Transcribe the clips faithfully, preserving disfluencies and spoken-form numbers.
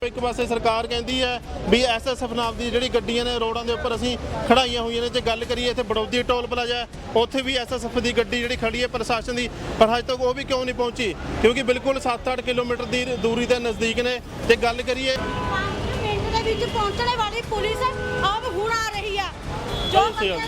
एक पासे सरकार कहती है भी एस एस एफ नाम की जी गड्डियां ने रोडों के उपर असीं खड़ाइया हुई ने। जो गल करिए इत्थे बड़ौदी टोल प्लाजा उत्थे भी एस एस एफ की गड्डी जी खड़ी है प्रशासन की, पर अज तक वो भी क्यों नहीं पहुंची? क्योंकि बिल्कुल सत्त अठ किलोमीटर की दूरी के नज़दीक ने। जो गल करिए पहुंचने वाली पुलिस अब हुण आ रही है जो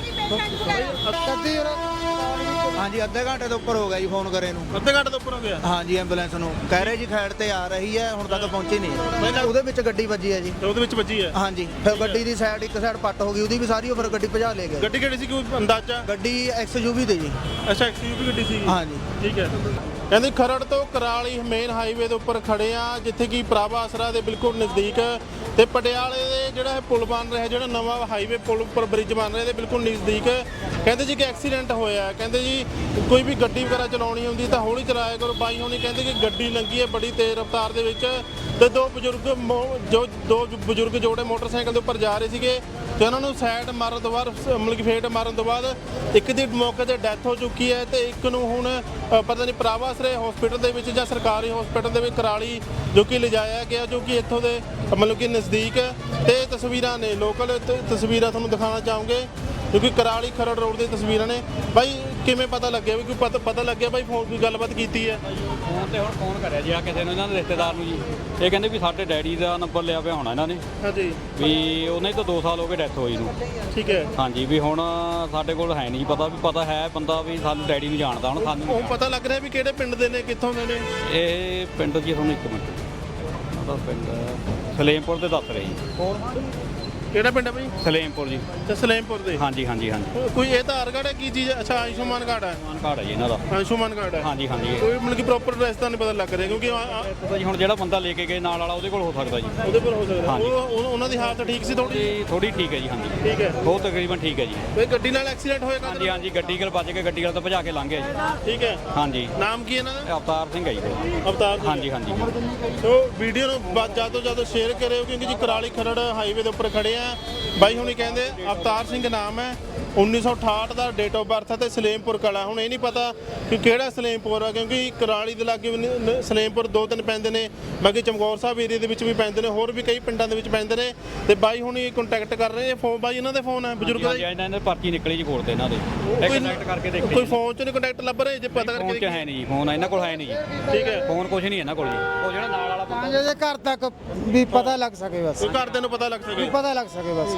हाँ जी अद्धे घंटे तो उपर हो गया जी फोन करे नूं। अद्धे घंटे तो उपर हो गया हाँ जी एंबूलेंस नूं कह रहे जी खैड़ ते आ रही है हुण तक पहुंची नहीं। ਉਹਦੇ ਵਿੱਚ ਗੱਡੀ ਵੱਜੀ ਹੈ ਜੀ। ਉਹਦੇ ਵਿੱਚ ਵੱਜੀ ਹੈ हाँ जी फिर ਗੱਡੀ ਦੀ ਸਾਈਡ ਇੱਕ ਸਾਈਡ ਪੱਟ ਹੋ ਗਈ ਉਹਦੀ ਵੀ ਸਾਰੀ ਉਹ ਫਿਰ ਗੱਡੀ ਭਜਾ ਲੈ ਗਏ। ਗੱਡੀ ਕਿਹੜੀ ਸੀ ਕੋਈ ਅੰਦਾਜ਼ਾ? ਗੱਡੀ ਐਕਸ ਯੂ ਵੀ ਤੇ ਜੀ। ਅੱਛਾ ਐਕਸ ਯੂ ਵੀ ਗੱਡੀ ਸੀ। हाँ जी ਠੀਕ ਹੈ। ਕਹਿੰਦੇ ਖਰੜ ਤੋਂ ਕਰਾਲੀ ਮੇਨ ਹਾਈਵੇ ਦੇ ਉੱਪਰ ਖੜੇ ਆ ਜਿੱਥੇ ਕਿ ਪ੍ਰਾਭਾ ਆਸਰਾ ਦੇ ਬਿਲਕੁਲ ਨਜ਼ਦੀਕ ਤੇ ਪਟਿਆਲੇ ਦੇ ਜਿਹੜਾ ਇਹ ਪੁਲ ਬਣ ਰਿਹਾ, ਜਿਹੜਾ ਨਵਾਂ ਹਾਈਵੇ ਪੁਲ ਉੱਪਰ ਬ੍ਰਿਜ ਬਣ ਰਿਹਾ ਦੇ ਬਿਲਕੁਲ ਨਜ਼ਦੀਕ ਕਹਿੰਦੇ ਜੀ ਕਿ ਐਕਸੀਡੈਂਟ ਹੋਇਆ। ਕਹਿੰਦੇ ਜੀ ਕੋਈ ਵੀ ਗੱਡੀ ਵਗੈਰਾ ਚਲਾਉਣੀ ਹੁੰਦੀ ਤਾਂ ਹੌਲੀ ਚਲਾਇਆ ਕਰੋ। ਬਾਈ ਹੋਣੀ ਕਹਿੰਦੇ ਕਿ ਗੱਡੀ ਲੰਘੀ ਹੈ ਬੜੀ ਤੇਜ਼ ਰਫ਼ਤਾਰ ਦੇ ਵਿੱਚ ਤੇ ਦੋ ਬਜ਼ੁਰਗ ਜੋ ਦੋ ਬਜ਼ੁਰਗ ਜੋੜੇ ਮੋਟਰਸਾਈਕਲ ਦੇ ਉੱਪਰ ਜਾ ਰਹੇ ਸੀਗੇ ਤੇ ਉਹਨਾਂ ਨੂੰ ਸਾਈਡ ਮਾਰਨ ਤੋਂ ਬਾਅਦ ਮਤਲਬ ਕਿ ਫੇਟ ਮਾਰਨ ਤੋਂ ਬਾਅਦ ਇੱਕ ਦੀ ਮੌਕੇ ਤੇ ਡੈਥ ਹੋ ਚੁੱਕੀ ਹੈ ਤੇ ਇੱਕ ਨੂੰ ਹੁਣ ਪਤਾ ਨਹੀਂ ਪ੍ਰਾਭਾ ਆਸਰੇ ਹਸਪੀਟਲ ਦੇ ਵਿੱਚ ਜਾਂ ਸਰਕਾਰੀ ਹਸਪੀਟਲ ਦੇ ਵਿੱਚ ਕਰਾਲੀ ਜੋ ਕਿ ਲਿਜਾਇਆ ਗਿਆ, ਜੋ ਕਿ ਇੱਥੋਂ ਦੇ ਮਤਲਬ ਕਿ ਨਜ਼ਦੀਕ। ਤੇ ਤਸਵੀਰਾਂ ਨੇ ਲੋਕਲ ਤਸਵੀਰਾਂ ਤੁਹਾਨੂੰ ਦਿਖਾਉਣਾ ਚਾਹੂੰਗੇ ਕਿਉਂਕਿ ਕਰਾਲੀ ਖਰੜ ਰੋਡ ਦੀ ਤਸਵੀਰਾਂ ਨੇ। ਬਾਈ ਕਿਵੇਂ ਪਤਾ ਲੱਗਿਆ ਵੀ ਕੋਈ ਪਤਾ ਪਤਾ ਲੱਗਿਆ ਬਾਈ ਫੋਨ ਕੋਈ ਗੱਲਬਾਤ ਕੀਤੀ ਹੈ? ਫੋਨ ਤੇ ਹੁਣ ਫੋਨ ਕਰਿਆ ਜੀ ਆ ਕਿਸੇ ਨੂੰ ਇਹਨਾਂ ਦੇ ਰਿਸ਼ਤੇਦਾਰ ਨੂੰ ਜੀ। ਇਹ ਕਹਿੰਦੇ ਵੀ ਸਾਡੇ ਡੈਡੀ ਦਾ ਨੰਬਰ ਲਿਆ ਪਿਆ ਹੋਣਾ ਇਹਨਾਂ ਨੇ ਹਾਂਜੀ ਵੀ ਉਹਨੇ ਤੋਂ ਦੋ ਸਾਲ ਹੋ ਗਏ ਡੈਥ ਹੋਈ ਨੂੰ। ਠੀਕ ਹੈ ਹਾਂਜੀ ਵੀ ਹੁਣ ਸਾਡੇ ਕੋਲ ਹੈ ਨਹੀਂ ਪਤਾ ਵੀ ਪਤਾ ਹੈ ਬੰਦਾ ਵੀ ਸਾਨੂੰ ਡੈਡੀ ਨੂੰ ਜਾਣਦਾ ਹੁਣ ਸਾਨੂੰ ਉਹ ਪਤਾ ਲੱਗ ਰਿਹਾ ਵੀ ਕਿਹੜੇ ਪਿੰਡ ਦੇ ਨੇ ਕਿੱਥੋਂ ਦੇ ਨੇ? ਇਹ ਪਿੰਡ ਜੀ ਤੁਹਾਨੂੰ ਇੱਕ ਮਿੰਟ ਉਹਦਾ ਪਿੰਡ ਸਲੇਮਪੁਰ ਦੇ ਦੱਸ ਰਹੇ ਜੀ। ਕਿਹੜਾ ਪਿੰਡ ਹੈ ਬਾਈ? ਸਲੇਮਪੁਰ ਜੀ। ਤੇ ਸਲੇਮਪੁਰ ਦੇ? ਹਾਂਜੀ ਹਾਂਜੀ ਹਾਂਜੀ ਕੋਈ ਇਹ ਆਧਾਰ ਕਾਰਡ ਹੈ ਕੀ ਚੀਜ਼? ਅੱਛਾ ਆਯੁਸ਼ਮਾਨ ਕਾਰਡ ਹੈ। ਆਯੁਸ਼ਮਾਨ ਕਾਰਡ ਹੈ ਜੀ ਇਹਨਾਂ ਦਾ। ਆਯੁਸ਼ਮਾਨ ਕਾਰਡ ਹੈ ਹਾਂਜੀ ਹਾਂਜੀ ਕੋਈ ਮਤਲਬ ਕਿ ਪ੍ਰੋਪਰ ਐਡਰੈਸ ਤਾਂ ਨਹੀਂ ਪਤਾ ਲੱਗ ਰਿਹਾ ਕਿਉਂਕਿ ਪਤਾ ਜੀ ਹੁਣ ਜਿਹੜਾ ਬੰਦਾ ਲੈ ਕੇ ਗਏ ਨਾਲ ਵਾਲਾ ਉਹਦੇ ਕੋਲ ਹੋ ਸਕਦਾ ਜੀ। ਉਹਦੇ ਪਰ ਹੋ ਸਕਦਾ ਉਹ ਉਹਨਾਂ ਦੀ ਹਾਲਤ ਠੀਕ ਸੀ ਥੋੜੀ? ਥੋੜੀ ਠੀਕ ਹੈ ਜੀ। ਹਾਂਜੀ ਠੀਕ ਹੈ ਬਹੁਤ ਤਕਰੀਬਨ ਠੀਕ ਹੈ ਜੀ। ਕੋਈ ਗੱਡੀ ਨਾਲ ਐਕਸੀਡੈਂਟ ਹੋਇਆ? ਹਾਂਜੀ ਹਾਂਜੀ ਗੱਡੀ ਕੋਲ ਵੱਜ ਕੇ ਗੱਡੀ ਵਾਲਾ ਤਾਂ ਭਜਾ ਕੇ ਲੰਘ ਗਿਆ ਜੀ। ਠੀਕ ਹੈ। ਹਾਂਜੀ ਨਾਮ ਕੀ ਇਹਨਾਂ ਦਾ? ਅਵਤਾਰ ਸਿੰਘ ਹੈ ਜੀ। ਅਵਤਾਰ ਸਿੰਘ। ਹਾਂਜੀ ਹਾਂਜੀ ਸੋ ਵੀਡੀਓ ਨੂੰ ਜ਼ਿਆਦਾ ਤੋਂ ਜ਼ਿਆਦਾ ਸ਼ੇਅਰ ਕਰਿਓ ਕਿਉਂਕਿ ਜੀ ਕਰਾਲੀ ਖਰੜ ਹਾਈਵੇ ਦੇ ਉੱਪਰ ਖੜੇ ਆ। ਬਾਈ ਹੁਣੀ ਕਹਿੰਦੇ ਅਵਤਾਰ ਸਿੰਘ ਨਾਮ ਹੈ, ਉੱਨੀ ਸੌ ਅਠਾਹਠ ਦਾ ਡੇਟ ਆਫ ਬਰਥ ਹੈ ਤੇ ਸਲੇਮਪੁਰ ਕਲਾ। ਹੁਣ ਇਹ ਨਹੀਂ ਪਤਾ ਕਿ ਕਿਹੜਾ ਸਲੇਮਪੁਰ ਆ ਕਿਉਂਕਿ ਕਰਾਲੀ ਦੇ ਲਾਗੇ ਸਲੇਮਪੁਰ ਦੋ ਤਿੰਨ ਪੈਂਦੇ ਨੇ, ਬਾਕੀ ਚਮਕੌਰ ਸਾਹਿਬ ਏਰੀਆ ਦੇ ਵਿੱਚ ਵੀ ਪੈਂਦੇ ਨੇ, ਹੋਰ ਵੀ ਕਈ ਪਿੰਡਾਂ ਦੇ ਵਿੱਚ ਪੈਂਦੇ ਨੇ। ਤੇ ਬਾਈ ਹੁਣੀ ਕੰਟੈਕਟ ਕਰ ਰਹੇ ਫੋਨ। ਬਾਈ ਇਹਨਾਂ ਦੇ ਫੋਨ ਹੈ ਬਜ਼ੁਰਗ ਦਾ? ਇਹਨਾਂ ਦੇ ਪਰਚੀ ਨਿਕਲੀ ਜੀ ਕੋਲ ਤੇ ਇਹਨਾਂ ਦੇ ਕੰਟੈਕਟ ਕਰਕੇ ਦੇਖੇ। ਕੋਈ ਫੋਨ 'ਚ ਨਹੀਂ ਕੰਟੈਕਟ ਲੱਭ ਰਹੇ ਜੇ ਪਤਾ ਫੋਨ 'ਚ ਕਰਕੇ? ਹੈ ਨਹੀਂ ਜੀ, ਫੋਨ ਇਹਨਾਂ ਕੋਲ ਹੈ ਨਹੀਂ ਜੀ। ਠੀਕ ਹੈ। ਫੋਨ ਕੁਝ ਨਹੀਂ ਇਹਨਾਂ ਕੋਲ ਜੀ। ਉਹ ਜਿਹੜਾ ਨਾਲ ਵਾਲਾ ਬੰਦਾ ਜੇ ਘਰ ਤੱਕ ਵੀ ਪਤਾ ਲੱਗ ਸਕੇ ਬਸ। ਕੋਈ ਘਰਦਿਆਂ ਨੂੰ ਪਤਾ ਲੱਗ ਸਕੇ ਪਤਾ ਲੱਗ ਸਕੇ ਬਸ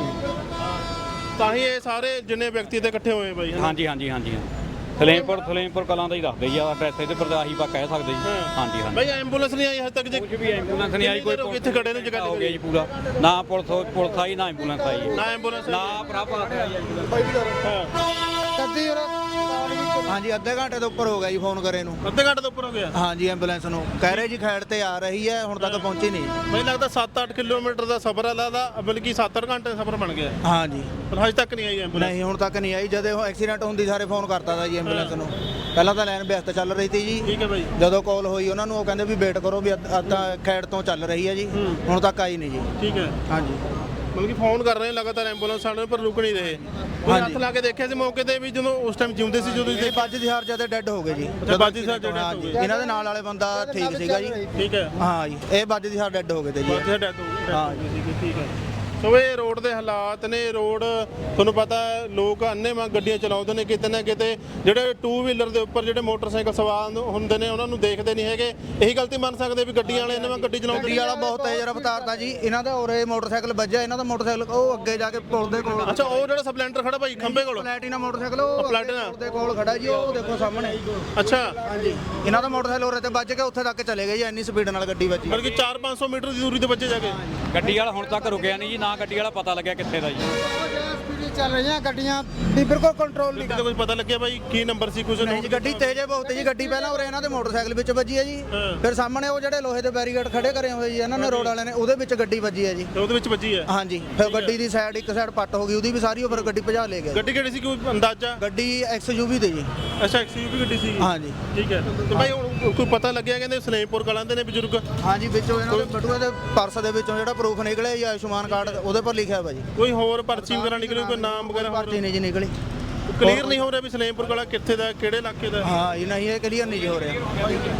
ਤਾਂ ਹੀ ਇਹ ਸਾਰੇ ਜਿੰਨੇ ਵਿਅਕਤੀ ਤੇ ਇਕੱਠੇ ਹੋਏ ਬਾਈ। ਹਾਂਜੀ ਹਾਂਜੀ ਹਾਂਜੀ ਸਲੇਮਪੁਰ ਸਲੇਮਪੁਰ ਕਲਾਂ ਦਾ ਹੀ ਦੱਸਦੇ ਜੀ ਆ ਐਡਰੈਸ ਇਹਦੇ ਪਰ ਆਹੀ ਪਾ ਕਹਿ ਸਕਦੇ ਜੀ। ਹਾਂਜੀ ਹਾਂਜੀ ਬਾਈ ਐਂਬੂਲੈਂਸ ਨਹੀਂ ਆਈ ਹਜੇ ਤੱਕ ਜੇ? ਕੁਝ ਵੀ ਐਂਬੂਲੈਂਸ ਨਹੀਂ ਆਈ। ਕੋਈ ਇੱਥੇ ਖੜੇ ਨੇ ਜਗ੍ਹਾ ਹੋ ਗਿਆ ਜੀ ਪੂਰਾ ਨਾ ਪੁਲਿਸ ਪੁਲਿਸ ਆਈ ਨਾ ਐਂਬੂਲੈਂਸ ਆਈ ਨਾ ਐਂਬੂਲੈਂਸ ਨਾ ਭਰਾਪਾ ਗੱਡੀ हाँ जी अद्धे घंटे तो उपर हो गया जी फोन करे नूं। ਅੱਧੇ ਘੰਟੇ ਤੋਂ ਉੱਪਰ ਹੋ ਗਿਆ? हाँ जी एंबूलेंस नूं कह रहे जी खैड़ ते आ रही है हुण तक पहुंची नहीं। ਮੈਨੂੰ ਲੱਗਦਾ ਸੱਤ ਅੱਠ ਕਿਲੋਮੀਟਰ ਦਾ ਸਫ਼ਰ ਹੈ ਲੱਗਦਾ, ਬਲਕਿ ਸੱਤ ਅੱਠ ਘੰਟੇ ਦਾ ਸਫ਼ਰ ਬਣ ਗਿਆ हाँ जी ਪਰ ਹਜੇ ਤੱਕ ਨਹੀਂ ਆਈ ਐਂਬੂਲੈਂਸ। नहीं हुण तक नहीं आई। जदे एक्सीडेंट ਹੁੰਦੀ ਸਾਰੇ ਫੋਨ ਕਰਤਾ ਤਾ ਜੀ ਐਂਬੂਲੈਂਸ ਨੂੰ। ਪਹਿਲਾਂ ਤਾਂ ਲਾਈਨ ਵਿਅਸਤ ਚੱਲ ਰਹੀ ਸੀ ਜੀ। ਠੀਕ ਹੈ ਬਾਈ। ਜਦੋਂ ਕਾਲ ਹੋਈ ਉਹਨਾਂ ਨੂੰ ਉਹ ਕਹਿੰਦੇ ਵੀ ਵੇਟ ਕਰੋ ਵੀ ਅੱਧਾ ਖੈੜ ਤੋਂ ਚੱਲ ਰਹੀ ਹੈ ਜੀ, ਹੁਣ ਤੱਕ ਆਈ ਨਹੀਂ ਜੀ। ਠੀਕ ਹੈ। ਹਾਂਜੀ ਮਤਲਬ ਕਿ ਫੋਨ ਕਰ ਰਹੇ ਲਗਾਤਾਰ ਐਂਬੂਲੈਂਸ ਸਾਡੇ ਪਰ ਰੁਕ ਨਹੀਂ ਰਹੇ। ਕੋਈ ਹੱਥ ਲਾ ਕੇ ਦੇਖਿਆ ਸੀ ਮੌਕੇ ਤੇ ਵੀ ਜਦੋਂ ਉਸ ਟਾਈਮ ਜਿਉਂਦੇ ਸੀ? ਜਦੋਂ ਇਹ ਬਾਜੀ ਹਾਰ ਜਦੇ ਡੈੱਡ ਹੋ ਗਏ ਜੀ। ਬਾਜੀ ਸਾਹਿਬ ਜਿਹੜੇ ਹਾਂ ਜੀ ਇਹਨਾਂ ਦੇ ਨਾਲ ਵਾਲੇ ਬੰਦਾ ਠੀਕ ਸੀਗਾ ਜੀ। ਠੀਕ ਹੈ। ਹਾਂ ਜੀ ਇਹ ਬਾਜੀ ਹਾਰ ਡੈੱਡ ਹੋ ਗਏ ਤੇ ਜੀ। ਬਾਜੀ ਡੈਥ ਹਾਂ ਜੀ। ਠੀਕ ਹੈ। ਸੋ ਇਹ ਰੋਡ ਦੇ ਹਾਲਾਤ ਨੇ। ਰੋਡ ਤੁਹਾਨੂੰ ਪਤਾ ਲੋਕ ਅੰਨੇ ਵਾਂ ਗੱਡੀਆਂ ਚਲਾਉਂਦੇ ਨੇ, ਕਿਤੇ ਨਾ ਕਿਤੇ ਜਿਹੜੇ ਟੂ ਵੀਲਰ ਦੇ ਉੱਪਰ ਜਿਹੜੇ ਮੋਟਰਸਾਈਕਲ ਸਵਾਰ ਹੁੰਦੇ ਨੇ ਉਹਨਾਂ ਨੂੰ ਦੇਖਦੇ ਨਹੀਂ ਹੈਗੇ। ਇਹੀ ਗਲਤੀ ਮੰਨ ਸਕਦੇ ਵੀ ਗੱਡੀਆਂ ਵਾਲੇ ਇੰਨੇ ਵਾਂ ਗੱਡੀ ਚਲਾਉਂਦੇ? ਗੱਡੀ ਵਾਲਾ ਬਹੁਤ ਤੇਜ਼ ਰਫ਼ਤਾਰ ਦਾ ਜੀ। ਇਹਨਾਂ ਦਾ ਉਰੇ ਮੋਟਰਸਾਈਕਲ ਵੱਜਿਆ, ਇਹਨਾਂ ਦਾ ਮੋਟਰਸਾਈਕਲ ਉਹ ਅੱਗੇ ਜਾ ਕੇ ਪੁਲ ਦੇ ਕੋਲ। ਅੱਛਾ ਉਹ ਜਿਹੜਾ ਸਪਲੈਂਡਰ ਖੜਾ ਭਾਈ ਖੰਬੇ ਕੋਲ? ਪਲੈਟੀਨਾ ਮੋਟਰਸਾਈਕਲ ਉਹ ਪਲੈਟੀਨਾ ਪੁਲ ਦੇ ਕੋਲ ਖੜਾ ਜੀ, ਉਹ ਦੇਖੋ ਸਾਹਮਣੇ। ਅੱਛਾ ਹਾਂਜੀ ਇਹਨਾਂ ਦਾ ਮੋਟਰਸਾਈਕਲ ਉਰੇ ਤੇ ਵੱਜ ਕੇ ਉੱਥੇ ਤੱਕ ਚਲੇ ਗਏ ਜੀ, ਇੰਨੀ ਸਪੀਡ ਨਾਲ ਗੱਡੀ ਵੱਜੀ। ਬਲਕਿ ਚਾਰ ਪੰਜ ਸੌ ਮੀਟਰ ਦੀ ਦੂਰੀ ਤੇ ਵੱਜੇ ਜਾ ਕੇ। ਗੱਡੀ ਵਾਲਾ ਹੁਣ ਤੱਕ ਰੁਕਿਆ ਨਹੀਂ ਜੀ, ਨਾ ਗੱਡੀ ਵਾਲਾ ਪਤਾ ਲੱਗਿਆ ਕਿੱਥੇ ਦਾ ਜੀ। ਚੱਲ ਰਹੀਆਂ ਗੱਡੀਆਂ ਵੀ ਬਿਲਕੁਲ ਕੰਟਰੋਲ ਨਹੀਂ ਕਿਤੇ ਕੁਝ ਪਤਾ ਲੱਗਿਆ ਬਾਈ ਕੀ ਨੰਬਰ ਸੀ ਕੁਝ? ਨਹੀਂ ਜੀ ਗੱਡੀ ਤੇਜ਼ ਹੈ ਬਹੁਤ ਜੀ। ਗੱਡੀ ਪਹਿਲਾਂ ਉਰੇ ਇਹਨਾਂ ਦੇ ਮੋਟਰਸਾਈਕਲ ਵਿੱਚ ਵੱਜੀ ਹੈ ਜੀ, ਫਿਰ ਸਾਹਮਣੇ ਉਹ ਜਿਹੜੇ ਲੋਹੇ ਦੇ ਬੈਰੀਕੇਡ ਖੜੇ ਕਰੇ ਹੋਏ ਜੀ ਇਹਨਾਂ ਨੇ ਰੋਡ ਵਾਲਿਆਂ ਨੇ, ਉਹਦੇ ਵਿੱਚ ਗੱਡੀ ਵੱਜੀ ਹੈ ਜੀ। ਉਹਦੇ ਵਿੱਚ ਵੱਜੀ ਹੈ? ਹਾਂਜੀ ਫਿਰ ਗੱਡੀ ਦੀ ਸਾਈਡ ਇੱਕ ਸਾਈਡ ਪੱਟ ਹੋ ਗਈ ਉਹਦੀ ਵੀ ਸਾਰੀ, ਉਹ ਫਿਰ ਗੱਡੀ ਭਜਾ ਲੈ ਗਏ। ਗੱਡੀ ਕਿਹੜੀ ਸੀ ਕੋਈ ਅੰਦਾਜ਼ਾ? ਗੱਡੀ ਐਕਸ ਯੂ ਵੀ ਤੇ ਜੀ। ਅੱਛਾ ਐਕਸ ਯੂ ਵੀ ਗੱਡੀ ਸੀ। ਹਾਂਜੀ ਠੀਕ ਹੈ। ਤੇ ਭਾਈ ਹੁਣ ਕੋਈ ਪਤਾ ਲੱਗਿਆ ਕਹਿੰਦੇ ਸਲੇਮਪੁਰ ਕਲਾਂ ਦੇ ਨੇ ਬਜ਼ੁਰਗ? ਹਾਂਜੀ ਵਿੱਚੋਂ ਇਹਨਾਂ ਦੇ ਬਟੂਏ ਦੇ ਪਰਸ ਦੇ ਵਿੱਚੋਂ ਜਿਹੜਾ ਪ੍ਰੂਫ ਨਿਕਲਿਆ ਜੀ ਆਯੁਸ਼ਮਾਨ ਕਾਰਡ ਉਹਦੇ ਪਰ ਲਿਖਿਆ ਹੋਇਆ ਜੀ। ਕੋਈ ਹੋਰ ਪਰਚੀ ਵਗੈਰਾ ਨਿਕਲੀ? ਕੋਈ ਨਾਮ ਵਗੈਰਾ ਪਰਚੀ ਨਹੀਂ ਜੀ ਨਿਕਲੀ। ਕਲੀਅਰ ਨਹੀਂ ਹੋ ਰਿਹਾ ਵੀ ਸਲੇਮਪੁਰ ਕਲਾਂ ਕਿੱਥੇ ਦਾ ਕਿਹੜੇ ਇਲਾਕੇ ਦਾ? ਹਾਂ ਇਹ ਨਹੀਂ ਇਹ ਕਲੀਅਰ ਨਹੀਂ ਜੀ ਹੋ ਰਿਹਾ।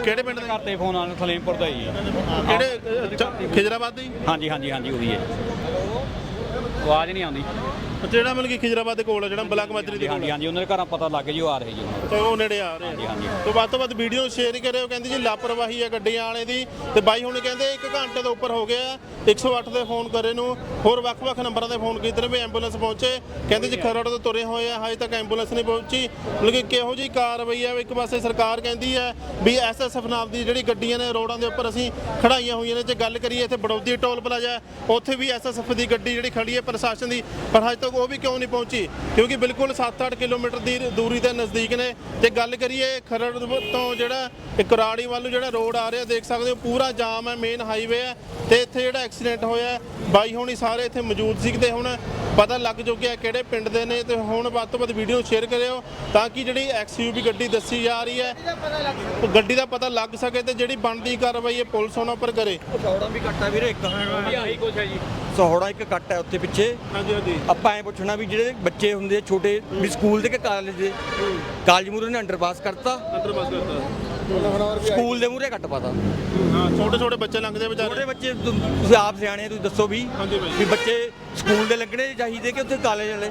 ਕਿਹੜੇ ਪਿੰਡ ਦੇ? ਘਰ ਤੇ ਫੋਨ ਆਉਣ ਸਲੇਮਪੁਰ ਦਾ ਹੀ ਹੈ। ਕਿਹੜੇ ਅ, ਚ- ਖਿਜਰਾਬਾਦ ਦੇ ਜੀ? ਹਾਂਜੀ ਹਾਂਜੀ ਹਾਂਜੀ ਉਹੀ ਹੈ। ਆਵਾਜ਼ ਨਹੀਂ ਆਉਂਦੀ। ਜਿਹੜਾ ਮਤਲਬ ਕਿ ਖਿਜਰਾਬਾਦ ਦੇ ਕੋਲ ਹੈ, ਜਿਹੜਾ ਬਲਾਕ ਮਾਜਰੀ ਦੇ ਕੋਲ ਹਾਂਜੀ ਹੈ। ਹਾਂਜੀ ਉਹਨਾਂ ਦੇ ਘਰਾਂ ਪਤਾ ਲੱਗ ਜੀ ਉਹ ਆ ਰਹੇ ਜੀ ਉਹਨਾਂ ਤੇ ਉਹ ਨੇੜੇ ਆ ਰਹੇ ਹਾਂਜੀ ਆ। ਹਾਂਜੀ ਤੋਂ ਵੱਧ ਤੋਂ ਵੱਧ ਵੀਡੀਓ ਸ਼ੇਅਰ ਹੀ ਕਰਿਓ। ਕਹਿੰਦੀ ਜੀ ਲਾਪਰਵਾਹੀ ਹੈ ਗੱਡੀਆਂ ਵਾਲੇ ਦੀ। ਤੇ ਬਾਈ ਹੁਣ ਕਹਿੰਦੇ ਇੱਕ ਘੰਟੇ ਤੋਂ ਉੱਪਰ ਹੋ ਗਿਆ ਇੱਕ ਸੌ ਅੱਠ ਦੇ ਫੋਨ ਕਰੇ ਨੂੰ, ਹੋਰ ਵੱਖ-ਵੱਖ ਨੰਬਰਾਂ ਤੇ ਫੋਨ ਕੀਤੇ ਨੇ ਵੀ ਐਂਬੂਲੈਂਸ ਪਹੁੰਚੇ। ਕਹਿੰਦੇ ਜੀ ਖਰੜ ਤੋਂ ਤੁਰੇ ਹੋਏ ਆ, ਹਜੇ ਤੱਕ ਐਂਬੂਲੈਂਸ ਨਹੀਂ ਪਹੁੰਚੀ। ਮਤਲਬ ਕਿ ਕਿਹੋ ਜਿਹੀ ਕਾਰਵਾਈ ਹੈ? ਇੱਕ ਪਾਸੇ ਸਰਕਾਰ ਕਹਿੰਦੀ ਹੈ ਵੀ ਐਸਐਸਐਫ ਨਾਲ ਦੀ ਜਿਹੜੀ ਗੱਡੀਆਂ ਨੇ ਰੋਡਾਂ ਦੇ ਉੱਪਰ ਅਸੀਂ ਖੜਾਈਆਂ ਹੋਈਆਂ ਨੇ। ਜੇ ਗੱਲ ਕਰੀਏ ਇੱਥੇ ਬੜੌਦੀ ਟੋਲ ਪਲਾਜ਼ਾ, ਉੱਥੇ ਵੀ ਐਸਐਸਐਫ ਦੀ ਗੱਡੀ ਜਿਹੜੀ ਖੜੀ ਹੈ ਪ੍ਰਸ਼ਾਸਨ ਦੀ, ਪਰ ਹਜੇ ਤੱਕ ਉਹ ਵੀ ਕਿਉਂ ਨਹੀਂ ਪਹੁੰਚੀ? ਕਿਉਂਕਿ ਬਿਲਕੁਲ ਸੱਤ ਅੱਠ ਕਿਲੋਮੀਟਰ ਦੀ ਦੂਰੀ ਤੇ ਨਜ਼ਦੀਕ ਨੇ। ਤੇ ਗੱਲ ਕਰੀਏ ਖਰੜ ਤੋਂ ਜਿਹੜਾ ਕੁਰਾੜੀ ਵੱਲ ਨੂੰ ਜਿਹੜਾ ਰੋਡ ਆ ਰਿਹਾ, ਦੇਖ ਸਕਦੇ ਹੋ ਪੂਰਾ ਜਾਮ ਹੈ, ਮੇਨ ਹਾਈਵੇ ਹੈ। ਤੇ ਇੱਥੇ ਜਿਹੜਾ ਐਕਸੀਡੈਂਟ ਹੋਇਆ, ਬਾਈ ਹੋਣੀ ਸਾਰੇ ਇੱਥੇ ਮੌਜੂਦ ਸੀ। ਤੇ ਹੁਣ ਪਤਾ ਲੱਗ ਚੁੱਕਿਆ ਕਿਹੜੇ ਪਿੰਡ ਦੇ ਨੇ। ਤੇ ਹੁਣ ਵੱਧ ਤੋਂ ਵੱਧ ਵੀਡੀਓ ਸ਼ੇਅਰ ਕਰਿਓ ਤਾਂ ਕਿ ਜਿਹੜੀ ਐਕਸਯੂਵੀ ਗੱਡੀ ਦੱਸੀ ਜਾ ਰਹੀ ਹੈ ਉਹ ਗੱਡੀ ਦਾ ਪਤਾ ਲੱਗ ਸਕੇ ਤੇ ਜਿਹੜੀ ਬਣਦੀ ਕਾਰਵਾਈ ਹੈ ਪੁਲਿਸ ਉਹਨਾਂ ਉੱਪਰ ਕਰੇ। ਸੌੜਾ ਵੀ ਕੱਟ ਹੈ ਵੀਰੇ ਇੱਕ ਵੀ ਆਹੀ ਕੁਛ ਹੈ ਜੀ। ਸੌੜਾ ਇੱਕ ਕੱਟ ਹੈ ਉੱਥੇ ਪਿੱਛੇ। ਹਾਂਜੀ ਹਾਂਜੀ ਆਪਾਂ ਐ ਪੁੱਛਣਾ ਵੀ ਜਿਹੜੇ ਬੱਚੇ ਹੁੰਦੇ ਆ ਛੋਟੇ ਵੀ ਸਕੂਲ ਦੇ ਕਿ ਕਾਲਜ ਦੇ, ਕਾਲਜ ਮੂਹਰੇ ਨੇ ਅੰਡਰਪਾਸ ਕਰਤਾ, ਅੰਦਰ ਬਸ ਕਰਤਾ। ਸਕੂਲ ਦੇ ਮੂਹਰੇ ਕੱਟ ਪਾਤਾ। ਹਾਂ ਛੋਟੇ ਛੋਟੇ ਬੱਚੇ ਲੰਘਦੇ ਵਿਚਾਰੇ। ਛੋਟੇ ਬੱਚੇ ਤੁ- ਤੁਸੀਂ ਆਪ ਸਿਆਣੇ ਆ, ਤੁਸੀਂ ਦੱਸੋ ਵੀ ਹਾਂਜੀ ਬਾਈ। ਵੀ ਬੱਚੇ ਸਕੂਲ ਦੇ ਲੱਗਣੇ ਚਾਹੀਦੇ ਕਿ ਉੱਥੇ ਕਾਲਜ ਵਾਲੇ?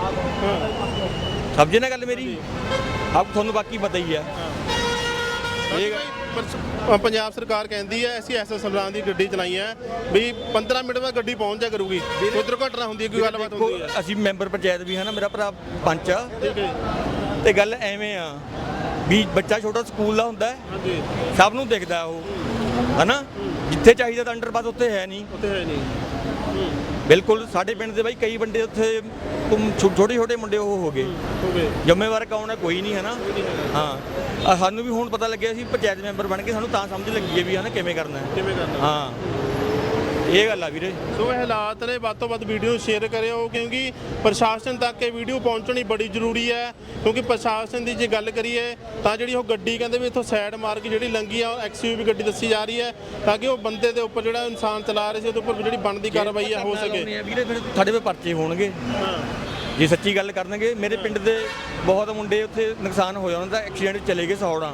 ਸਮਝੇ ਨਾ ਗੱਲ ਮੇਰੀ? ਆਪ ਤੁਹਾਨੂੰ ਬਾਕੀ ਪਤਾ ਹੀ ਆ। ਇਹ ਪਰ ਪੰਜਾਬ ਸਰਕਾਰ ਕਹਿੰਦੀ ਹੈ ਅਸੀਂ ਐਸ ਐਸ ਸਮਰਾਨ ਦੀ ਗੱਡੀ ਚਲਾਈ ਹੈ ਵੀ ਪੰਦਰਾਂ ਮਿੰਟ ਬਾਅਦ ਗੱਡੀ ਪਹੁੰਚ ਜਾ ਕਰੂਗੀ। ਕੋਈ ਦੁਰਘਟਨਾ ਹੁੰਦੀ ਹੈ, ਕੋਈ ਗੱਲਬਾਤ ਹੁੰਦੀ ਹੈ। ਅਸੀਂ ਮੈਂਬਰ ਪੰਚਾਇਤ ਵੀ ਹਾਂ ਨਾ, ਮੇਰਾ ਭਰਾ ਪੰਚ ਆ। ਠੀਕ ਹੈ ਜੀ। ਤੇ ਗੱਲ ਐਵੇਂ ਆ ਵੀ ਬੱਚਾ ਛੋਟਾ ਸਕੂਲ ਦਾ ਹੁੰਦਾ ਹੈ, ਹਾਂਜੀ ਸਭ ਨੂੰ ਦਿਖਦਾ ਉਹ, ਹਨਾ? ਜਿੱਥੇ ਚਾਹੀਦਾ ਤਾਂ ਅੰਡਰਪਾਸ ਉੱਥੇ ਹੈ ਨਹੀਂ। ਉੱਥੇ ਹੈ ਨਹੀਂ। ਬਿਲਕੁਲ ਸਾਡੇ ਪਿੰਡ ਦੇ ਬਾਈ ਕਈ ਬੰਦੇ ਉੱਥੇ ਛੋਟੇ ਛੋਟੇ ਮੁੰਡੇ ਉਹ ਹੋ ਗਏ। ਹੋ ਗਏ। ਜ਼ਿੰਮੇਵਾਰ ਕੌਣ ਹੈ? ਕੋਈ ਨਹੀਂ, ਹਨਾ? ਹਾਂ ਆਹ ਸਾਨੂੰ ਵੀ ਹੁਣ ਪਤਾ ਲੱਗਿਆ ਸੀ ਪੰਚਾਇਤ ਮੈਂਬਰ ਬਣ ਕੇ, ਸਾਨੂੰ ਤਾਂ ਸਮਝ ਲੱਗੀ ਹੈ ਵੀ ਹਨਾ ਕਿਵੇਂ ਕਰਨਾ ਹੈ। ਕਿਵੇਂ ਕਰਨਾ? ਹਾਂ ਇਹ ਗੱਲ ਆ ਵੀਰੇ। ਸੋ ਇਹ ਹਾਲਾਤ ਨੇ, ਵੱਧ ਤੋਂ ਵੱਧ ਵੀਡੀਓ ਸ਼ੇਅਰ ਕਰਿਓ ਕਿਉਂਕਿ ਪ੍ਰਸ਼ਾਸਨ ਤੱਕ ਇਹ ਵੀਡੀਓ ਪਹੁੰਚਣੀ ਬੜੀ ਜ਼ਰੂਰੀ ਹੈ। ਕਿਉਂਕਿ ਪ੍ਰਸ਼ਾਸਨ ਦੀ ਜੇ ਗੱਲ ਕਰੀਏ ਤਾਂ ਜਿਹੜੀ ਉਹ ਗੱਡੀ ਕਹਿੰਦੇ ਵੀ ਇੱਥੋਂ ਸਾਈਡ ਮਾਰ ਕੇ ਜਿਹੜੀ ਲੰਗੀ ਆ ਐਕਸਯੂਵੀ ਗੱਡੀ ਦੱਸੀ ਜਾ ਰਹੀ ਹੈ ਤਾਂ ਕਿ ਉਹ ਬੰਦੇ ਦੇ ਉੱਪਰ ਜਿਹੜਾ ਇਨਸਾਨ ਚਲਾ ਰਹੇ ਸੀ ਉਹਦੇ ਉੱਪਰ ਜਿਹੜੀ ਬਣਦੀ ਕਾਰਵਾਈ ਆ ਹੋ ਸਕੇ। ਵੀਰੇ ਫਿਰ ਸਾਡੇ ਤੇ ਪਰਚੇ ਹੋਣਗੇ ਹਾਂ ਜੇ ਸੱਚੀ ਗੱਲ ਕਰਨਗੇ। ਮੇਰੇ ਪਿੰਡ ਦੇ ਬਹੁਤ ਮੁੰਡੇ ਉੱਥੇ ਨੁਕਸਾਨ ਹੋਇਆ, ਉਹਨਾਂ ਦਾ ਐਕਸੀਡੈਂਟ ਚਲੇ ਗਏ ਸੌੜਾ।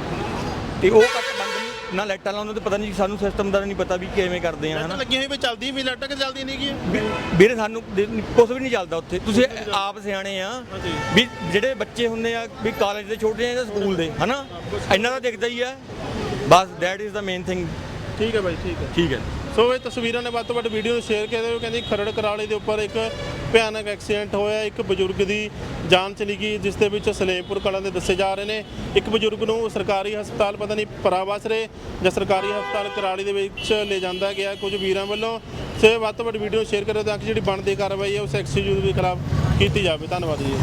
ਤੇ ਉਹ ਕੱਟ ਬੰਦ ਨਹੀਂ ਨਾ, ਲਾਈਟਾਂ ਲਾਉਂਦੇ ਤੇ ਪਤਾ ਨਹੀਂ, ਸਾਨੂੰ ਸਿਸਟਮ ਦਾ ਨਹੀਂ ਪਤਾ ਵੀ ਕਿਵੇਂ ਕਰਦੇ ਆ, ਹਨਾ? ਲੱਗੀ ਹੋਈ ਵੀ ਚੱਲਦੀ ਵੀ ਲਾਈਟਾਂ ਕਿ ਚੱਲਦੀ ਨਹੀਂ ਗਈ। ਵੀਰੇ ਸਾਨੂੰ ਕੁਝ ਵੀ ਨਹੀਂ ਚੱਲਦਾ ਉੱਥੇ। ਤੁਸੀਂ ਆਪ ਸਿਆਣੇ ਆ ਵੀ ਜਿਹੜੇ ਬੱਚੇ ਹੁੰਦੇ ਆ ਵੀ ਕਾਲਜ ਦੇ ਛੋਟੇ ਆ ਜਾਂ ਸਕੂਲ ਦੇ, ਹਨਾ? ਇਹਨਾਂ ਦਾ ਦਿਖਦਾ ਹੀ ਆ ਬਸ। That is the main thing. ਠੀਕ ਹੈ ਬਾਈ, ਠੀਕ ਹੈ। ਠੀਕ ਹੈ। ਸੋ ਇਹ ਤਸਵੀਰਾਂ ਨੇ ਵੱਧ ਤੋਂ ਵੱਧ ਵੀਡੀਓ ਨੂੰ ਸ਼ੇਅਰ ਕਰਦੇ ਹੋ। ਕਹਿੰਦੀ ਖਰੜ ਕਰਾਲੇ ਦੇ ਉੱਪਰ ਇੱਕ ਭਿਆਨਕ ਐਕਸੀਡੈਂਟ ਹੋਇਆ, ਇੱਕ ਬਜ਼ੁਰਗ ਦੀ ਜਾਨ ਚਲੀ ਗਈ ਜਿਸ ਦੇ ਵਿੱਚ ਸਲੇਮਪੁਰ ਕਲਾਂ ਦੇ ਦੱਸੇ ਜਾ ਰਹੇ ਨੇ। ਇੱਕ ਬਜ਼ੁਰਗ ਨੂੰ ਸਰਕਾਰੀ ਹਸਪਤਾਲ ਪਤਾ ਨਹੀਂ ਪਰਾਵਾਸਰੇ ਜਾਂ ਸਰਕਾਰੀ ਹਸਪਤਾਲ ਕਰਾਲੀ ਦੇ ਵਿੱਚ ਲੈ ਜਾਂਦਾ ਗਿਆ ਕੁਝ ਵੀਰਾਂ ਵੱਲੋਂ। ਸੋ ਵੱਧ ਤੋਂ ਵੱਧ ਵੀਡੀਓ ਸ਼ੇਅਰ ਕਰਿਓ ਤਾਂ ਕਿ ਜਿਹੜੀ ਬਣਦੀ ਕਾਰਵਾਈ ਹੈ ਉਸ ਐਕਸੀਡੈਂਟ ਦੇ ਖਿਲਾਫ ਕੀਤੀ ਜਾਵੇ। ਧੰਨਵਾਦ ਜੀ।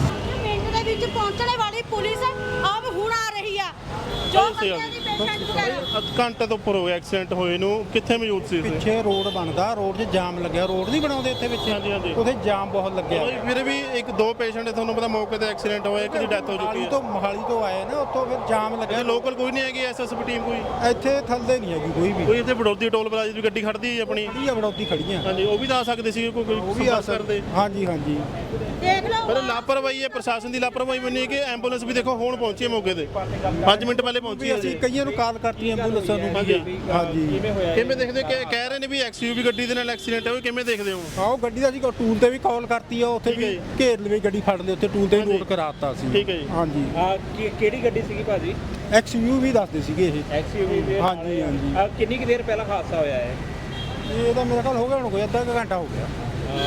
ਮਿੰਟ ਦੇ ਵਿੱਚ ਪਹੁੰਚਣੇ ਵਾਲੀ ਪੁਲਿਸ ਆਪ ਹੁਣ ਆ ਰਹੀ ਆ। ਜੋ ਬੱਚਿਆਂ ਦੀ ਪੇਸ਼ੈਂਟ ਵਗੈਰਾ ਅੱਧ ਘੰਟੇ ਤੋਂ ਉੱਪਰ ਹੋ ਗਿਆ ਐਕਸੀਡੈਂਟ ਹੋਏ ਨੂੰ। ਕਿੱਥੇ ਮੌਜੂਦ ਸੀ ਤੁਸੀਂ? ਪਿੱਛੇ ਰੋਡ ਬਣਦਾ, ਰੋਡ 'ਚ ਜਾਮ ਲੱਗਿਆ। ਰੋਡ ਨਹੀਂ ਬਣਾਉਂਦੇ ਇੱਥੇ ਵਿੱਚ? ਹਾਂਜੀ, ਹਾਂਜੀ। ਉੱਥੇ ਜਾਮ ਬਹੁਤ ਲੱਗਿਆ। ਮੇਰੇ ਵੀ ਇੱਕ ਦੋ ਪੇਸ਼ੈਂਟ ਤੁਹਾਨੂੰ ਪਤਾ ਮੌਕੇ ਤੇ ਐਕਸੀਡੈਂਟ ਹੋਇਆ, ਇੱਕ ਦੀ ਡੈਥ ਹੋ ਚੁੱਕੀ ਮੋਹਾਲੀ ਹੈ। ਤੋਂ ਮੋਹਾਲੀ ਤੋਂ ਆਏ ਨਾ, ਉੱਥੋਂ ਫਿਰ ਜਾਮ ਲੱਗਿਆ। ਲੋਕਲ ਕੋਈ ਨਹੀਂ ਹੈਗੀ ਐਸਐਸਪੀ ਟੀਮ ਕੋਈ? ਇੱਥੇ ਥੱਲੇ ਨਹੀਂ ਹੈਗੀ ਕੋਈ ਵੀ। ਕੋਈ ਇੱਥੇ ਬੜੌਦੀ ਟੋਲ ਪਲਾਜ਼ਾ ਦੀ ਗੱਡੀ ਖੜਦੀ ਹੈ ਆਪਣੀ? ਖੜੀ ਆ ਬੜੌਦੀ ਖੜੀਆਂ। ਹਾਂਜੀ ਉਹ ਵੀ ਤਾਂ ਆ ਸਕਦੇ ਸੀ ਕੋਈ ਕੋਈ ਉਹ ਵੀ ਆ ਸੰਪਰਕ ਕਰਦੇ। ਹਾਂਜੀ ਹਾਂਜੀ। ਦੇਖ ਲਓ ਪਰ ਲਾਪਰਵਾਹੀ ਹੈ ਪ੍ਰਸ਼ਾਸਨ ਦੀ, ਲਾਪਰਵਾਹੀ ਮੰਨੀ ਕਿ ਐਂਬੂਲੈਂਸ ਵੀ ਦੇਖੋ ਹੁਣ ਪਹੁੰਚੀ ਹੈ ਮੌਕੇ ਤੇ, ਪੰਜ ਮਿੰਟ ਪਹਿਲੇ ਪਹੁੰਚੀ ਵੀ ਹੈ ਅਸੀਂ ਜੀ। ਕਈਆਂ ਨੂੰ ਕਾਲ ਕਰਤੀ ਐਂਬੂਲੈਂਸਾਂ ਨੂੰ ਹਾਂਜੀ। ਵੀ। ਹਾਂਜੀ ਕਿਵੇਂ ਦੇਖਦੇ ਹੋ ਕਿ ਕਹਿ ਰਹੇ ਨੇ ਵੀ ਐਕਸਯੂਵੀ ਗੱਡੀ ਦੇ ਨਾਲ ਐਕਸੀਡੈਂਟ ਹੋਇਆ, ਕਿਵੇਂ ਦੇਖਦੇ ਹੋ? ਆਓ ਗੱਡੀ ਦਾ ਅਸੀਂ ਟੂਲ ਤੇ ਵੀ ਕਾਲ ਕਰਤੀ ਆ, ਉੱਥੇ ਵੀ ਘੇਰ ਲਵੇ ਗੱਡੀ ਫੜ ਲਈ, ਉੱਥੇ ਟੂਲ ਤੇ ਵੀ ਨੋਟ ਕਰਾਤਾ ਅਸੀਂ। ਠੀਕ ਹੈ ਜੀ। ਹਾਂਜੀ। ਆ ਕਿਹੜੀ ਗੱਡੀ ਸੀਗੀ ਭਾਜੀ? ਐਕਸਯੂ ਵੀ ਦੱਸਦੇ ਸੀਗੇ ਇਹ। ਐਕਸਯੂਵੀ ਦੇ ਹਾਂਜੀ ਹਾਂਜੀ। ਆ ਕਿੰਨੀ ਕੁ ਦੇਰ ਪਹਿਲਾਂ ਹਾਦਸਾ ਹੋਇਆ ਹੈ? ਇਹ ਤਾਂ ਮੇਰਾ ਖਿਆਲ ਹੋ ਗਿਆ ਹੁਣ ਕੋਈ ਅੱਧਾ ਕੁ ਘੰਟਾ ਹੋ ਗਿਆ।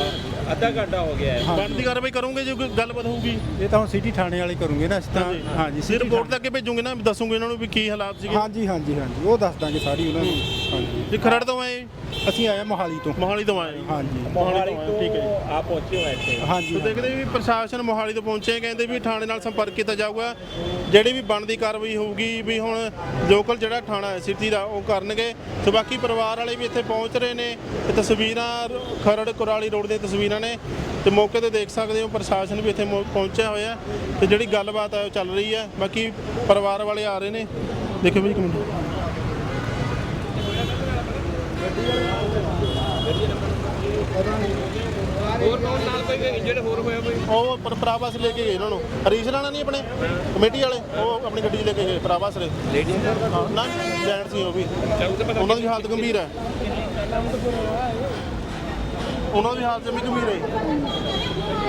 ਅਹ ਅੱਧਾ ਘੰਟਾ ਹੋ ਗਿਆ ਹੈ। ਬਣਦੀ ਕਾਰਵਾਈ ਕਰੋਗੇ ਜੇ ਕੋਈ ਗੱਲਬਾਤ ਹੋਊਗੀ? ਇਹ ਤਾਂ ਹੁਣ ਸਿਟੀ ਥਾਣੇ ਵਾਲੇ ਕਰੂਗੇ ਨਾ, ਅਸੀਂ ਤਾਂ ਹਾਂਜੀ ਸਿਰ ਰਿਪੋਰਟ ਤੱਕ ਭੇਜੂਗੇ ਨਾ, ਦੱਸੂਗੇ ਇਹਨਾਂ ਨੂੰ ਵੀ ਕੀ ਹਾਲਾਤ ਸੀਗੇ। ਹਾਂਜੀ ਹਾਂਜੀ ਹਾਂਜੀ ਉਹ ਦੱਸ ਦਾਂਗੇ ਸਾਰੀ ਉਹਨਾਂ ਨੂੰ। ਹਾਂਜੀ ਜੇ ਖਰੜ ਤੋਂ ਆਏ? ਅਸੀਂ ਆਏ ਮੋਹਾਲੀ ਤੋਂ। ਮੋਹਾਲੀ ਤੋਂ ਆਏ? ਹਾਂਜੀ ਮੋਹਾਲੀ ਤੋਂ, ਠੀਕ ਹੈ ਜੀ। ਆ ਪਹੁੰਚੇ ਹੋ ਇੱਥੇ। ਹਾਂਜੀ ਸੋ ਦੇਖਦੇ ਵੀ ਪ੍ਰਸ਼ਾਸਨ ਮੋਹਾਲੀ ਤੋਂ ਪਹੁੰਚੇ, ਕਹਿੰਦੇ ਵੀ ਥਾਣੇ ਨਾਲ ਸੰਪਰਕ ਕੀਤਾ ਜਾਊਗਾ, ਜਿਹੜੀ ਵੀ ਬਣਦੀ ਕਾਰਵਾਈ ਹੋਊਗੀ ਵੀ ਹੁਣ ਲੋਕਲ ਜਿਹੜਾ ਥਾਣਾ ਹੈ ਸਿਟੀ ਦਾ ਉਹ ਕਰਨਗੇ। ਸੋ ਬਾਕੀ ਪਰਿਵਾਰ ਵਾਲੇ ਵੀ ਇੱਥੇ ਪਹੁੰਚ ਰਹੇ ਨੇ। ਇਹ ਤਸਵੀਰਾਂ ਖਰੜ ਕੁਰਾਲੀ ਰੋਡ ਦੀਆਂ ਤਸਵੀਰਾਂ ਨੇ ਤੇ ਮੌਕੇ ਤੇ ਦੇਖ ਸਕਦੇ ਹੋ ਪ੍ਰਸ਼ਾਸਨ ਵੀ ਇੱਥੇ ਮੌ- ਪਹੁੰਚਿਆ ਹੋਇਆ ਤੇ ਜਿਹੜੀ ਗੱਲਬਾਤ ਹੈ ਉਹ ਚੱਲ ਰਹੀ ਹੈ। ਬਾਕੀ ਪਰਿਵਾਰ ਵਾਲੇ ਆ ਰਹੇ ਨੇ, ਦੇਖੋ ਵੀ ਇੱਕ ਮਿੰਟ। ਹੋਰ ਕੌਣ ਨਾਲ ਕੋਈ ਇੰਜਰਡ ਹੋਰ ਹੋਇਆ ਕੋਈ ਉਹ ਪਰ ਪ੍ਰਾਵਾਸ ਲੈ ਕੇ ਗਏ ਇਹਨਾਂ ਨੂੰ ਹਰੀਸ਼ ਰਾਣਾ ਨਹੀਂ ਆਪਣੇ ਕਮੇਟੀ ਵਾਲੇ ਉਹ ਆਪਣੀ ਗੱਡੀ 'ਚ ਲੈ ਕੇ ਗਏ ਪ੍ਰਾਵਾਸ ਲੈ ਲੇਡੀ ਹਾਂ ਨਾ ਜੈਂਟ ਸੀ ਉਹ ਵੀ ਉਹਨਾਂ ਦੀ ਹਾਲਤ ਗੰਭੀਰ ਹੈ ਉਹਨਾਂ ਦੀ ਹਾਲਤ ਜਮੀ ਗੰਭੀਰ ਹੈ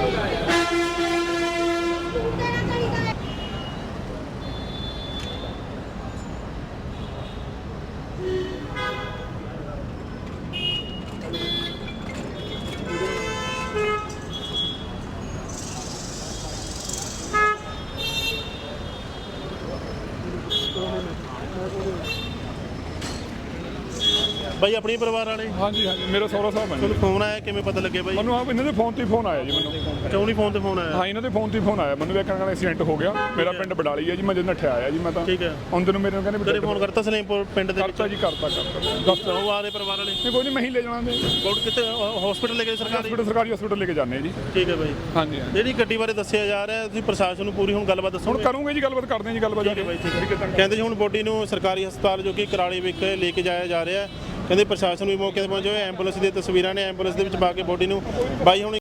ਬਾਈ ਆਪਣੀ ਪਰਿਵਾਰ ਵਾਲੇ ਹਾਂਜੀ ਹਾਂਜੀ ਮੇਰਾ ਸਹੁਰਾ ਸਾਹਿਬ ਹੈ ਜੀ। ਤੁਹਾਨੂੰ ਫੋਨ ਆਇਆ ਕਿਵੇਂ ਪਤਾ ਲੱਗਿਆ ਬਾਈ ਮੈਨੂੰ ਆਪ ਇਹਨਾਂ ਦੇ ਫੋਨ ਤੇ ਫੋਨ ਆਇਆ ਜੀ ਮੈਨੂੰ ਕਿਉਂ ਨਹੀਂ ਫੋਨ ਤੇ ਫੋਨ ਆਇਆ ਹਾਂ ਇਹਨਾਂ ਦੇ ਫੋਨ ਤੇ ਫੋਨ ਆਇਆ ਮੈਨੂੰ ਵੇਖਣ ਨਾਲ ਐਕਸੀਡੈਂਟ ਹੋ ਗਿਆ ਮੇਰਾ ਪਿੰਡ ਬਡਾਲੀ ਹੈ ਜੀ ਮੈਂ ਜਦ ਨੱਠਿਆ ਆਇਆ ਜੀ ਮੈਂ ਤਾਂ ਠੀਕ ਹੈ ਆਉਂਦੇ ਨੂੰ ਮੇਰੇ ਨੂੰ ਕਹਿੰਦੇ ਤੇਰੇ ਫੋਨ ਕਰਤਾ ਸਲੇਮਪੁਰ ਪਿੰਡ ਦੇ ਵਿੱਚ ਕਰਤਾ ਜੀ ਕਰਤਾ ਕਰਤਾ ਦੱਸ ਉਹ ਆਲੇ ਪਰਿਵਾਰ ਵਾਲੇ ਨਹੀਂ ਕੋਈ ਨਹੀਂ ਮੈਂ ਹੀ ਲੈ ਜਾਣਾ ਦੇ ਬੋਰਡ ਕਿਤੇ ਹਸਪੀਟਲ ਲੈ ਕੇ ਸਰਕਾਰੀ ਹਸਪੀਟਲ ਸਰਕਾਰੀ ਹਸਪੀਟਲ ਲੈ ਕੇ ਜਾਂਦੇ ਜੀ ਠੀਕ ਹੈ ਬਾਈ ਹਾਂਜੀ ਹਾਂਜੀ ਜਿਹੜੀ ਗੱਡੀ ਬਾਰੇ ਦੱਸਿਆ ਜਾ ਰਿਹਾ ਤੁਸੀਂ ਪ੍ਰਸ਼ਾਸਨ ਨੂੰ ਪੂਰੀ ਹੁਣ ਗੱਲਬਾਤ ਦੱਸੋ ਹੁਣ ਕਰੂੰਗੇ ਜੀ ਗੱਲਬਾਤ ਕਰਦੇ ਹਾਂ ਜੀ ਗੱਲਬਾਤ ਠੀਕ ਹੈ ਬਾਈ ਠੀਕ ਹੈ ਕਹਿੰਦੇ ਜੀ ਹੁਣ ਬੋਡੀ ਨੂੰ ਸਰਕਾਰੀ ਹਸਪਤਾਲ ਜੋ ਕਿ ਕਰਾਲੀ ਵਿਖੇ ਲੈ ਕੇ ਜਾਇਆ ਜਾ ਰਿਹਾ ਹੈ ਕਹਿੰਦੇ ਪ੍ਰਸ਼ਾਸਨ ਵੀ ਮੌਕੇ ਤੇ ਪਹੁੰਚੇ ਹੋਏ ਐਂਬੂਲੈਂਸ ਦੀਆਂ ਤਸਵੀਰਾਂ ਨੇ ਐਂਬੂਲੈਂਸ ਦੇ ਵਿੱਚ ਪਾ ਕੇ ਬੋਡੀ ਨੂੰ ਬਾਈ ਹੁਣ